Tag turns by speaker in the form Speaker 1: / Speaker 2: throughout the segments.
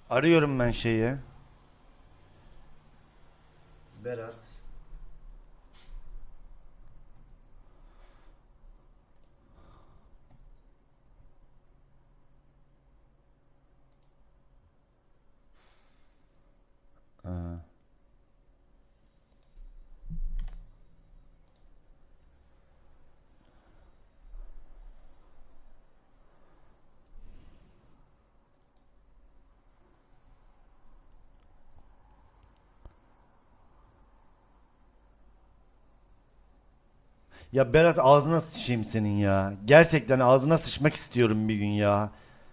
Speaker 1: Arıyorum ben şeyi. Berat. Aa. Ya Berat ağzına sıçayım senin ya. Gerçekten ağzına sıçmak istiyorum bir gün ya.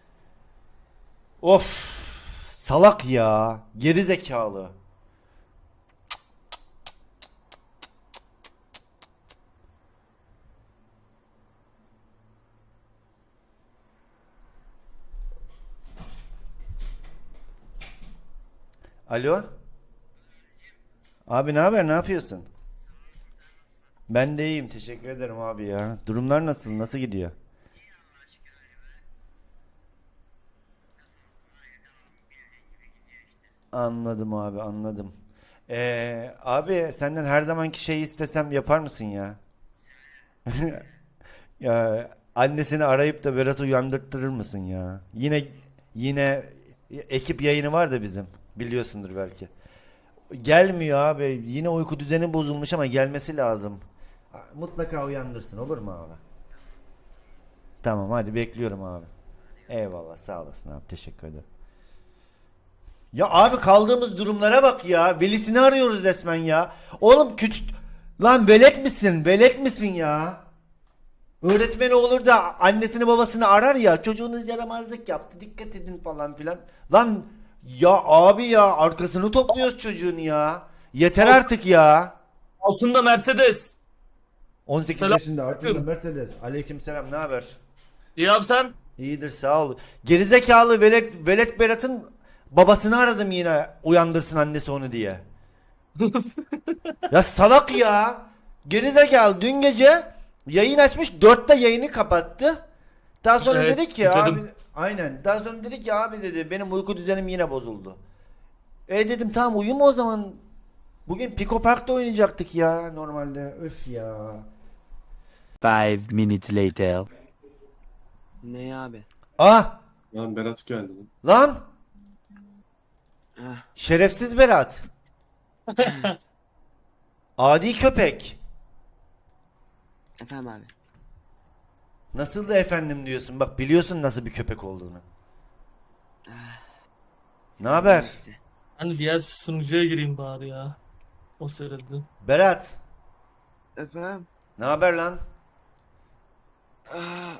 Speaker 1: Of, salak ya. Geri zekalı. Alo? Abi ne haber? Ne yapıyorsun? Ben de iyiyim. Teşekkür ederim abi ya. Durumlar nasıl? Nasıl gidiyor? Anladım abi, anladım. Abi senden her zamanki şeyi istesem yapar mısın ya? Ya annesini arayıp da Berat'ı uyandırtırır mısın ya? Yine ekip yayını var da bizim. Biliyorsundur belki. Gelmiyor abi. Yine uyku düzeni bozulmuş ama gelmesi lazım. Mutlaka uyandırsın, olur mu abi? Tamam, hadi bekliyorum abi. Eyvallah, sağ olasın abi, teşekkür ederim. Ya abi kaldığımız durumlara bak ya. Velisini arıyoruz resmen ya. Oğlum küçük... Lan velet misin? Velet misin ya? Öğretmeni olur da annesini babasını arar ya. Çocuğunuz yaramazlık yaptı. Dikkat edin falan filan. Lan ya abi ya arkasını topluyoruz çocuğun ya. Yeter
Speaker 2: Alt-
Speaker 1: artık ya.
Speaker 2: Altında Mercedes.
Speaker 1: 18 yaşında artık
Speaker 2: Selamünaleyküm.
Speaker 1: Mercedes. Aleykümselam, ne haber?
Speaker 2: İyi abi sen?
Speaker 1: İyidir, sağ ol. Gerizekalı velet Berat'ın babasını aradım yine uyandırsın annesi onu diye. Ya salak ya. Gerizekalı dün gece yayın açmış, 4'te yayını kapattı. Daha sonra
Speaker 2: Evet
Speaker 1: dedi ki abi,
Speaker 2: izledim.
Speaker 1: aynen. Daha sonra dedi ki abi, dedi, benim uyku düzenim yine bozuldu. Dedim tamam, uyuma o zaman. Bugün Pico Park'ta oynayacaktık ya normalde. Öf ya.
Speaker 3: 5 minutes later.
Speaker 4: Ne abi?
Speaker 1: Ah
Speaker 5: Lan Berat geldi lan.
Speaker 1: lan,
Speaker 4: Ah,
Speaker 1: şerefsiz Berat. Adi köpek.
Speaker 4: efendim abi.
Speaker 1: Nasıl da efendim diyorsun. Bak biliyorsun nasıl bir köpek olduğunu. Ne haber?
Speaker 4: Neyse.
Speaker 2: Hani diğer sunucuya gireyim bari ya. O sırada.
Speaker 1: Berat.
Speaker 4: Efendim?
Speaker 1: Ne haber lan?
Speaker 4: Ah,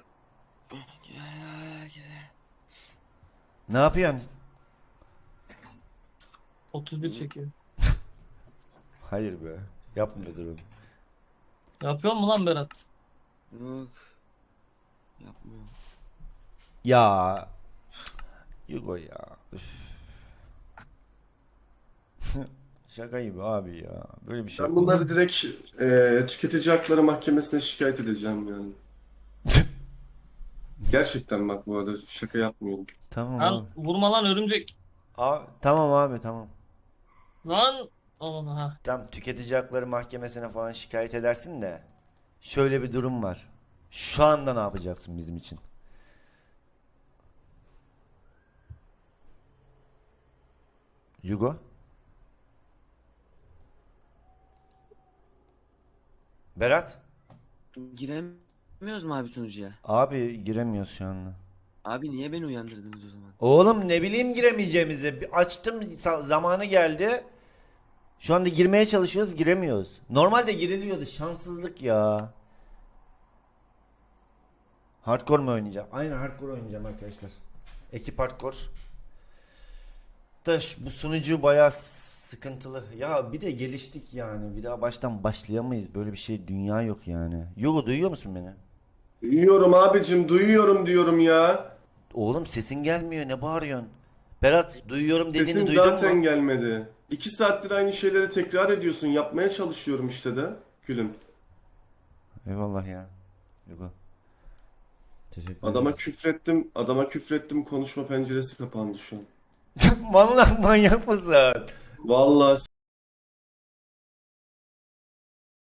Speaker 4: güzel.
Speaker 1: Ne yapıyorsun?
Speaker 2: 31 çekiyor.
Speaker 1: Hayır be. Yapma durum.
Speaker 2: Yapıyor mu lan Berat?
Speaker 4: Yok. Yapmıyorum.
Speaker 1: Ya. Yugo ya. Üf. Şaka gibi abi ya. Böyle bir şey.
Speaker 5: Ben bunları direkt tüketici hakları mahkemesine şikayet edeceğim yani. Gerçekten bak, bu arada şaka yapmıyorum.
Speaker 1: Tamam
Speaker 2: Lan
Speaker 1: abi.
Speaker 2: vurma lan örümcek.
Speaker 1: Tamam abi, tamam.
Speaker 2: Lan aman ha.
Speaker 1: Tam tüketici hakları mahkemesine falan şikayet edersin de. Şöyle bir durum var. Şu anda ne yapacaksın bizim için? Yugo? Berat?
Speaker 4: Giremiyoruz mu abi sunucuya?
Speaker 1: Abi giremiyoruz şu anda.
Speaker 4: Abi niye beni uyandırdınız o zaman?
Speaker 1: Oğlum ne bileyim giremeyeceğimizi. Açtım, zamanı geldi. Şu anda girmeye çalışıyoruz, giremiyoruz. Normalde giriliyordu, şanssızlık ya. Hardcore mu oynayacağım? Aynen hardcore oynayacağım arkadaşlar. Ekip hardcore. Bu sunucu bayağı sıkıntılı. Ya bir de geliştik yani. Bir daha baştan başlayamayız. Böyle bir şey, dünya yok yani. Yugo, duyuyor musun beni?
Speaker 5: Duyuyorum abicim, duyuyorum diyorum ya.
Speaker 1: Oğlum sesin gelmiyor, ne bağırıyorsun? Berat, duyuyorum dediğini
Speaker 5: Sesin
Speaker 1: duydun
Speaker 5: zaten
Speaker 1: mu?
Speaker 5: gelmedi. 2 saattir aynı şeyleri tekrar ediyorsun. Yapmaya çalışıyorum işte de. Gülüm.
Speaker 1: Eyvallah ya. Yugo. Teşekkür
Speaker 5: Adama
Speaker 1: ederiz.
Speaker 5: küfrettim. Adama küfrettim. Konuşma penceresi kapandı şu an.
Speaker 1: Vallahi manyak mısın?
Speaker 5: Vallahi